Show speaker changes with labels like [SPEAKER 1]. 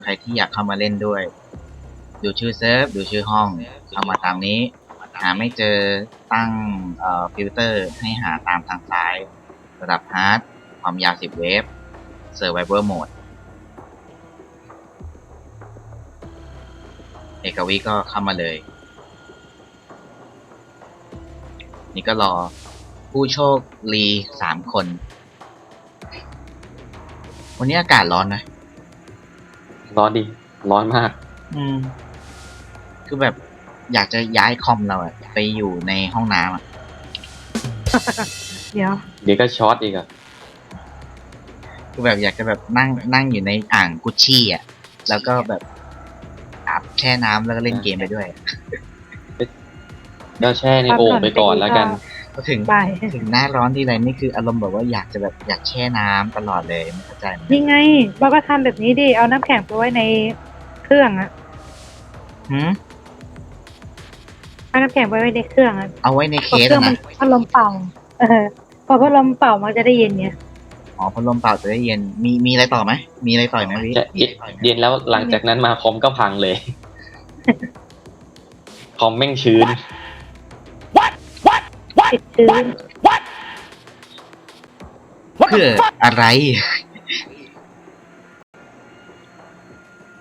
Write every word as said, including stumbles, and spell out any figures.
[SPEAKER 1] ใครที่อยากเข้ามาเล่นด้วยดูชื่อเซิร์ฟดูชื่อห้องเข้ามาตามนี้หาไม่เจอตั้งเอ่อฟิลเตอร์ให้หาตามทางซ้ายระดับฮาร์ดความยาวสิบเวฟเซอร์ไวเวอร์โหมดเอกวิก็เข้ามาเลยนี่ก็รอผู้โชคดีสามคนวันนี้อากาศร้อนนะ
[SPEAKER 2] ร้อนดิร้อนมาก
[SPEAKER 1] อืม คือแบบอยากจะย้ายคอมเราอะไปอยู่ในห้องน้ำอะ
[SPEAKER 3] เดี๋ยว
[SPEAKER 2] เดี๋ยวก็ช็อตอีกอะ
[SPEAKER 1] คือแบบอยากจะแบบนั่งนั่งอยู่ในอ่างกุชชี่อะแล้วก็แบบอาบแช่น้ำแล้วก็เล่นเกมไปด้วย
[SPEAKER 2] ก็แช่ในโอ่งไปก่อนแล้วกัน
[SPEAKER 1] ก็ถึง
[SPEAKER 3] ไป
[SPEAKER 1] ถึงหน้าร้อนทีไรนี่คืออารมณ์แบบว่าอยากจะแบบอยากแช่น้ำตลอดเลยไม่เข้าใจเหมือนกัน
[SPEAKER 3] นี่ไงเราก็ทำแบบนี้ดิ เอาน้ำแข็งไปไว้ในเครื่องอะ
[SPEAKER 1] หืม
[SPEAKER 3] เอาน้ำแข็งไปไว้ในเครื่องอะ
[SPEAKER 1] เอาไว้ใน
[SPEAKER 3] พ
[SPEAKER 1] เค
[SPEAKER 3] อ
[SPEAKER 1] ส
[SPEAKER 3] เครื่อง
[SPEAKER 1] อะ
[SPEAKER 3] มัน
[SPEAKER 1] นะ
[SPEAKER 3] พัดลมเป่า เออ พอพัดลมเป่ามันจะได้เย็นเนี่ย
[SPEAKER 1] อ๋อพัดลมเป่าจะได้เย็นมีมีอะไรต่อไหมมีอะไรต่อไหมวิ
[SPEAKER 2] จะเย็นเย็นแล้วหลังจากนั้นมาคอมก็พังเลย คอมแม่งชื้น
[SPEAKER 3] ติดชื้น
[SPEAKER 1] เพื่ออะไร